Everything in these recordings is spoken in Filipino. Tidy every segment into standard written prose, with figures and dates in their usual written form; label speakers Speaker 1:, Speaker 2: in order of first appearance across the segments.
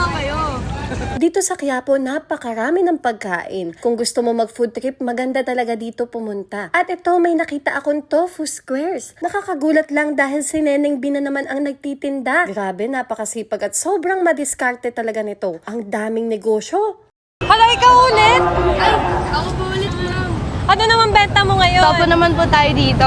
Speaker 1: naman kayo.
Speaker 2: Dito sa Quiapo, napakarami ng pagkain. Kung gusto mo mag-food trip, maganda talaga dito pumunta. At ito, may nakita akong tofu squares. Nakakagulat lang dahil si Neneng Bina naman ang nagtitinda. Grabe, napakasipag at sobrang madiskarte talaga nito. Ang daming negosyo. Hala, ikaw ulit?
Speaker 1: Ay, ako po ulit lang.
Speaker 2: Ano naman benta mo ngayon?
Speaker 1: Topo naman po tayo dito.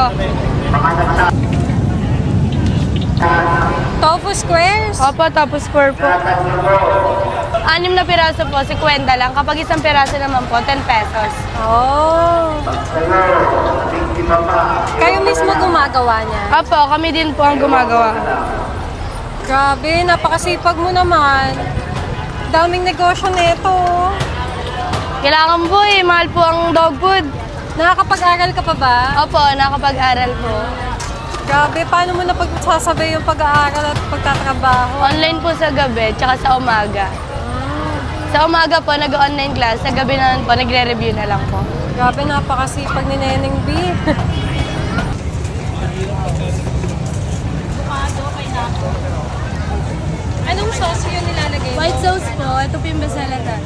Speaker 2: Tofu squares?
Speaker 1: Opo, topo square po. 6 na piraso po, 50 lang. Kapag isang piraso naman po, 10 pesos.
Speaker 2: Oh. Kayo mismo gumagawa niya?
Speaker 1: Opo, kami din po ang gumagawa.
Speaker 2: Grabe, napakasipag mo naman. Daming negosyo nito.
Speaker 1: Kailangan po eh, mahal po ang dog food.
Speaker 2: Nakakapag-aral ka pa ba?
Speaker 1: Opo, nakapag-aral po.
Speaker 2: Grabe, paano mo napagsasabay yung pag-aaral at pagtatrabaho?
Speaker 1: Online po sa gabi, tsaka sa umaga. Sa umaga po, nag-online class. Sa gabi naman po, nagre-review na lang po.
Speaker 2: Grabe, napakasipag ni Neneng B. Anong sauce yung nilalagay mo?
Speaker 1: White sauce po, ito po yung besalaga.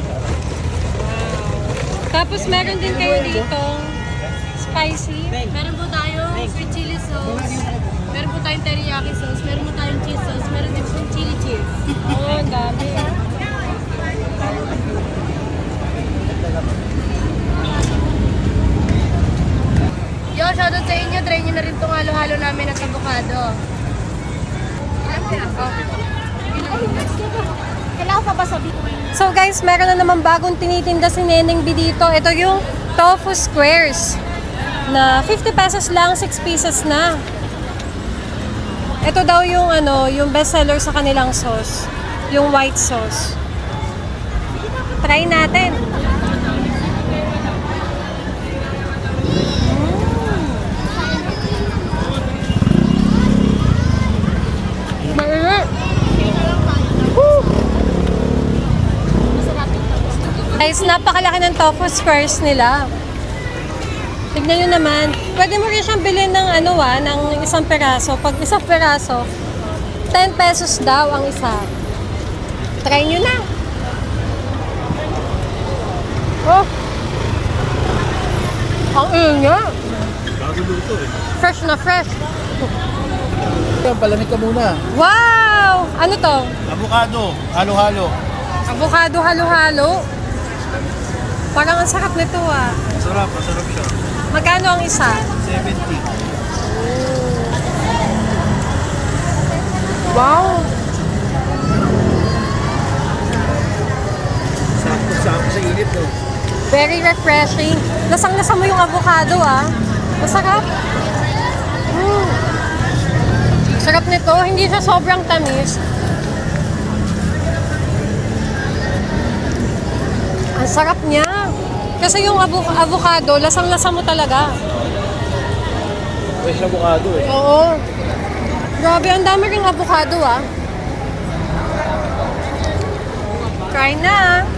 Speaker 2: Tapos meron din kayo dito spicy.
Speaker 1: Meron po tayong sweet chili sauce. Meron po tayong teriyaki sauce. Meron po tayong cheese sauce. Meron din po chili cheese.
Speaker 2: Oh, ang dami.
Speaker 1: Yo, shoutout sa inyo. Try nyo na rin itong halo-halo namin at avocado. Kailangan pa ba sabihin?
Speaker 2: So guys, meron na naman bagong tinitinda si Neneng B dito. Ito yung tofu squares na 50 pesos lang, 6 pieces na. Ito daw yung yung best seller sa kanilang sauce, yung white sauce. Try natin. Mainit. Woo! Guys, napakalaki ng tofu squares nila. Tignan nyo naman. Pwede mo rin siyang bilhin ng ng isang peraso. Pag isang peraso, 10 pesos daw ang isa. Try nyo na. Oh! Ang ingat.
Speaker 3: Bago luto eh.
Speaker 2: Fresh na fresh.
Speaker 3: Palamig ka muna.
Speaker 2: Wow! Ano to?
Speaker 3: Avocado, halo-halo.
Speaker 2: Avocado halo-halo. Parang ang sarap nito ah.
Speaker 3: Masarap siya.
Speaker 2: Magkano ang isa?
Speaker 3: 70.
Speaker 2: Wow!
Speaker 3: Sakto sa init no.
Speaker 2: Very refreshing. Lasang-lasa mo yung avocado ah. Masarap. Sarap nito. Hindi siya sobrang tamis. Ang sarap niya. Kasi yung avocado, lasang-lasa mo talaga.
Speaker 3: Fresh avocado eh.
Speaker 2: Oo. Grabe, ang dami ring avocado ah. Try na.